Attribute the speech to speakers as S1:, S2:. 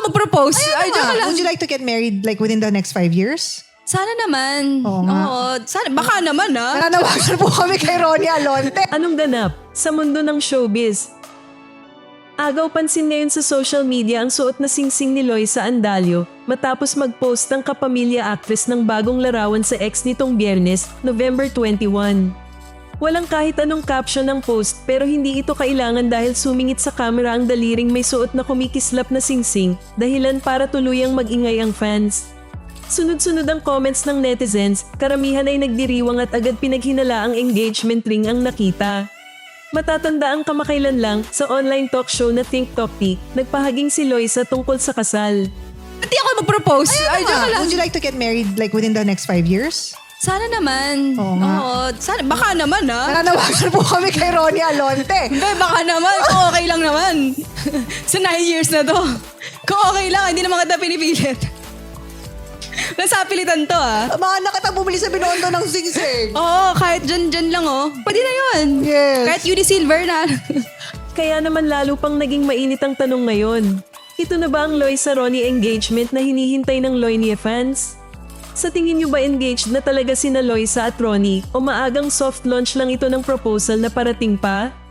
S1: mag-propose. Ay, joke lang.
S2: Would you like to get married like within the next 5 years?
S1: Sana naman.
S2: Oo nga.
S1: Oo, sana. Baka naman
S2: Nananawagan po kami kay Ronnie Alonte.
S3: Anong ganap sa mundo ng showbiz? Agaw pansin ngayon sa social media ang suot na singsing ni Loisa Andalio matapos mag-post ng kapamilya actress ng bagong larawan sa ex nitong Biyernes, November 21. Walang kahit anong caption ng post pero hindi ito kailangan dahil sumingit sa camera ang daliring may suot na kumikislap na singsing, dahilan para tuluyang mag-ingay ang fans. Sunod-sunod ang comments ng netizens, karamihan ay nagdiriwang at agad pinaghinala ang engagement ring ang nakita. Matatanda ang kamakailan lang sa online talk show na Think Talk Tea, nagpahaging si Loisa tungkol sa kasal.
S1: Hindi ako mag-propose. Ay, joke lang.
S2: Would you like to get married like within the next 5 years?
S1: Sana naman.
S2: Oo nga.
S1: Oo, sana. Baka naman
S2: Nananawagan po kami kay Ronnie Alonte.
S1: Hindi, baka naman. Kung okay lang naman. Sa 9 years na to. Kung okay lang, hindi naman kita pinipilit. Nasapilitan to
S2: Mga nakita bumili sa Binondo ng singsing.
S1: Oo, kahit dyan lang Pwede na yun.
S2: Yes.
S1: Kahit UD Silver na.
S3: Kaya naman lalo pang naging mainit ang tanong ngayon. Ito na ba ang Loisa-Ronnie engagement na hinihintay ng Loinie fans? Sa tingin niyo ba engaged na talaga sina Loisa at Ronnie o maagang soft launch lang ito ng proposal na parating pa?